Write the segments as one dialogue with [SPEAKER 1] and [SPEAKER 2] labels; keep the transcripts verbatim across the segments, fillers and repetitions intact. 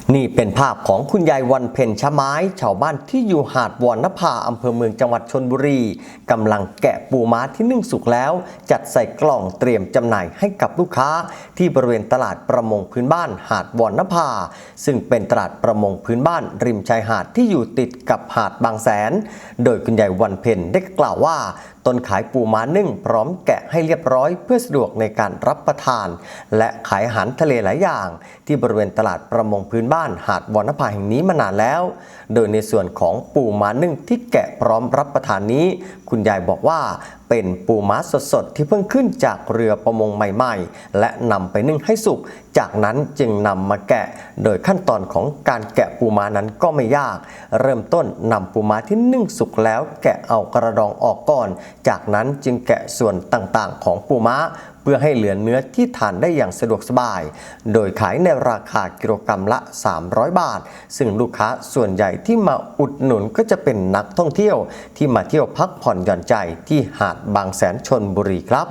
[SPEAKER 1] นี่เป็นภาพของคุณยายวันเพ็ญชะไม้ชาวบ้านที่อยู่หาดวรรณภาอำเภอเมืองจังหวัดชลบุรีกำลังแกะปูม้าที่นึ่งสุกแล้วจัดใส่กล่องเตรียมจำหน่ายให้กับลูกค้าที่บริเวณตลาดประมงพื้นบ้านหาดวรรณภาซึ่งเป็นตลาดประมงพื้นบ้านริมชายหาดที่อยู่ติดกับหาดบางแสนโดยคุณยายวันเพ็ญได้กล่าวว่าตนขายปูม้านึ่งพร้อมแกะให้เรียบร้อยเพื่อสะดวกในการรับประทานและขายอาหารทะเลหลายอย่างที่บริเวณตลาดประมงพื้นบ้านหาดวรรณภาแห่งนี้มานานแล้วโดยในส่วนของปูม้านึ่งที่แกะพร้อมรับประทานนี้คุณยายบอกว่าเป็นปูม้าสดๆที่เพิ่งขึ้นจากเรือประมงใหม่ๆและนำไปนึ่งให้สุกจากนั้นจึงนำมาแกะโดยขั้นตอนของการแกะปูม้านั้นก็ไม่ยากเริ่มต้นนำปูม้าที่นึ่งสุกแล้วแกะเอากระดองออกก่อนจากนั้นจึงแกะส่วนต่างๆของปูม้าเพื่อให้เหลือเนื้อที่ทานได้อย่างสะดวกสบายโดยขายในราคากิโลกรัมละสามร้อยบาทซึ่งลูกค้าส่วนใหญ่ที่มาอุดหนุนก็จะเป็นนักท่องเที่ยวที่มาเที่ยวพักผ่อนหย่อนใจที่หาดบางแสนชลบุรีครับ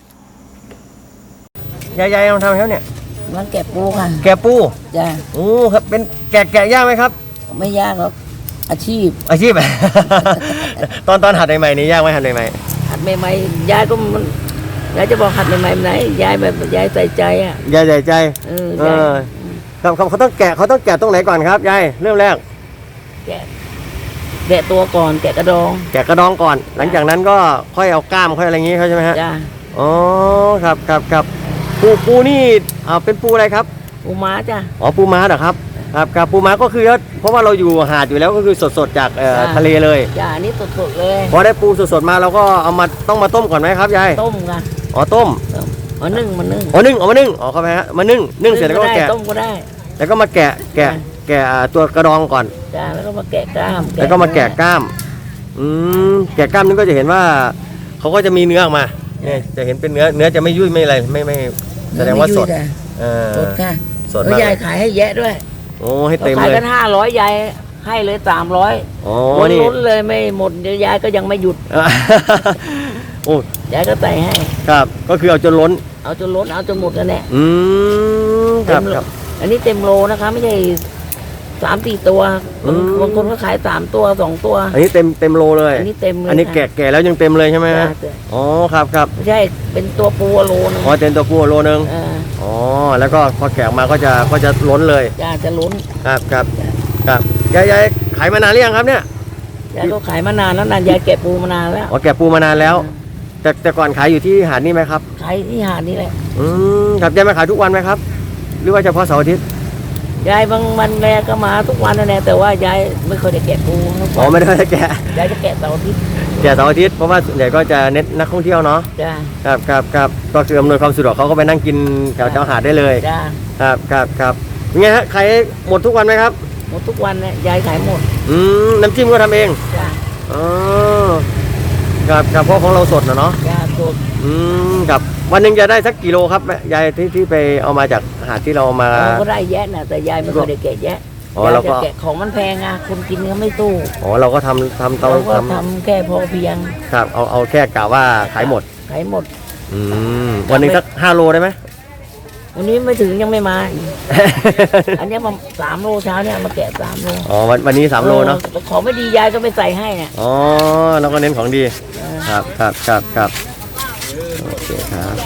[SPEAKER 1] ยายๆลองทำแล้วเนี่ย
[SPEAKER 2] มันแกะปูค่ะ
[SPEAKER 1] แกะปู
[SPEAKER 2] จ้ะ
[SPEAKER 1] โอ้ครับเป็นแกะแกะยากไหมครับ
[SPEAKER 2] ไม่ยากหรอกอาชีพ
[SPEAKER 1] อาชีพ ตอนตอนหัดใหม่ๆนี่ยากไหมหัดใหม่
[SPEAKER 2] ๆหัดใหม่ๆยายก็มันยายจะบอกหัดใหม่ๆไหนยายแบบยายใส่ใจอ่ะ
[SPEAKER 1] ยายใส่ใจ
[SPEAKER 2] เออ
[SPEAKER 1] ครับเขาเขาต้องแกะเขาต้องแกะตรงไหนก่อนครับยายเริ่มแรก
[SPEAKER 2] แกะแกะตัวก่อนแกะกระดอง
[SPEAKER 1] แกะกระดองก่อนหลังจากนั้นก็ค่อยเอาก้ามค่อยอะไรอย่างงี้เขาใช่ไหมฮะ
[SPEAKER 2] จ้ะ
[SPEAKER 1] อ๋อครับครับครับปูปูนี่อ่าเป็นปูอะไรครับ
[SPEAKER 2] ปูม้าจ้ะ
[SPEAKER 1] อ๋อปูม้าเหรอครับครับครับปูม้าก็คือเพราะว่าเราอยู่หาดอยู่แล้วก็คือสดๆจากทะเลเลย
[SPEAKER 2] จ้ะนี่สดๆเลย
[SPEAKER 1] พอได้ปูสดๆมาเราก็เอามาต้องมาต้มก่อนไหมครับยาย
[SPEAKER 2] ต้มค่ะ
[SPEAKER 1] อ๋อต้ม
[SPEAKER 2] อ๋อนึ่งมานึ่ง
[SPEAKER 1] อ๋อนึ่งอ๋อมานึ่งอ๋อครับฮะมานึ่งนึ่งเสร็จแล้วก็แกะ
[SPEAKER 2] ต้มก็ได้
[SPEAKER 1] แล้วก็มาแกะแกะแกะตัวกระดองก่อน
[SPEAKER 2] จ้ะแล้วก็มาแกะกล้าม
[SPEAKER 1] แล้วก็มาแกะกล้ามอืมแกะกล้ามนี่ก็จะเห็นว่าเขาก็จะมีเนื้อออกมาเนี่ยจะเห็นเป็นเนื้อเนื้อจะไม่ยุ่ยไม่อะไรไม่ไม่แสดงว่าสด
[SPEAKER 2] เออสดค่ะ
[SPEAKER 1] สด
[SPEAKER 2] แล้วยายขายให้แยะด้วย
[SPEAKER 1] โอ้ให้เต็มเลย
[SPEAKER 2] ขายกันห้าร้อยยายให้เลยสามร้อย
[SPEAKER 1] โอ้
[SPEAKER 2] นี่ล้นเลยไม่หมดเดี๋ยวยายก็ยังไม่หยุด
[SPEAKER 1] โอ้
[SPEAKER 2] ยายก็ใส่ให้
[SPEAKER 1] ครับก็คือเอาจนล้น
[SPEAKER 2] เอาจนล้นเอาจนหมดนั่นแหละ
[SPEAKER 1] อืมครับครับ
[SPEAKER 2] อันนี้เต็มโลนะคะไม่ใช่สามสี่ตัวบางคนก็ขายสามตัวสองตัว
[SPEAKER 1] อันนี้เต็มเต็มโลเลย
[SPEAKER 2] อันนี้เต็มเลย
[SPEAKER 1] อันนี้แกะแกะแล้วยังเต็มเลยใช่ไหมอ๋อครับครับ
[SPEAKER 2] ไม่ใช่เป็นตัวปูโลนึง
[SPEAKER 1] อ๋อเต็มตัวปูโลนึงอ๋อแล้วก็พอแกะมาก็จะก็จะล้นเลย
[SPEAKER 2] จะจะล้น
[SPEAKER 1] ครับครับครับยายยายขายมานานหรือยังครับเนี่ย
[SPEAKER 2] ยายก็ขายมานานแล้วนานยายแกะปูมานานแล้ว
[SPEAKER 1] อ๋อแกะปูมานานแล้วแต่แต่ก่อนขายอยู่ที่หาดนี่ไหมครับ
[SPEAKER 2] ขายที่หาดนี่แหละ
[SPEAKER 1] อืมครับยายมาขายทุกวันไหมครับหรือว่าเฉพาะเสาร์อาทิตย์
[SPEAKER 2] ยายบางวันแรกก็มาทุกวันนั่นแหละแต่ว่ายายไม่เคยได้แกะปู
[SPEAKER 1] อ๋อไม่ได้แกะ
[SPEAKER 2] ยายจะแกะเสาร์อาทิตย์
[SPEAKER 1] แกะเสาร์อาทิตย์เพราะว่าส่วนใหญ่ก็จะเน้นนักท่องเที่ยวเนาะ
[SPEAKER 2] จ้า
[SPEAKER 1] ครับครับครับก็คืออำนวยความสะดวกเขาก็ไปนั่งกินแถวแถวหาดได้เลย
[SPEAKER 2] จ้า
[SPEAKER 1] ครับครับครับยังไงฮะขายหมดทุกวันไหมครับ
[SPEAKER 2] หมดทุกวันเนี่ยยายขายหมด
[SPEAKER 1] อืมน้ำจิ้มก็ทำเอง
[SPEAKER 2] จ้า
[SPEAKER 1] อ๋อครับครับเพราะของเราสดนะเนาะ
[SPEAKER 2] จ้าสด
[SPEAKER 1] อืมครับวันหนึ่งจะได้สักกิโลครับยายที่ที่ไปเอามาจากหาดที่เรามา
[SPEAKER 2] ก็ได้แยะนะแต่ยายไม่เคยได้แกะแยะ
[SPEAKER 1] อ๋อเราก็
[SPEAKER 2] แกะของมันแพงอ่ะคนกินก็ไม่ตู้
[SPEAKER 1] อ๋อเราก็ทำทำ
[SPEAKER 2] เราก็ทำแค่พอเพียง
[SPEAKER 1] ครับเอาเอาแค่กะว่าขายหมด
[SPEAKER 2] ขายหมด
[SPEAKER 1] อืมวันนึงสักห้าโลได้ไหม
[SPEAKER 2] วันนี้ไม่ถึงยังไม่มาอันนี้มาสามโลเช้าเนี่ยมาแกะสามโล
[SPEAKER 1] อ๋อวันวันนี้สามโลเนาะ
[SPEAKER 2] ของไม่ดียายก็ไปใส่ให้เนี่ย
[SPEAKER 1] อ๋อเราก็เน้นของดีครับครับครับครับโอเคครับ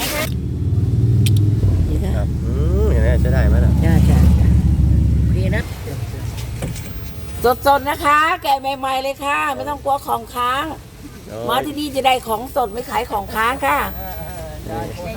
[SPEAKER 1] ครับอืมอย่างนี้จะได้ไหมล่ะ
[SPEAKER 2] ใช่ใช่ดีนะสดๆนะคะแกะใหม่ๆเลยค่ะไม่ต้องกลัวของค้างมาที่นี่จะได้ของสดไม่ขายของค้างค่ะ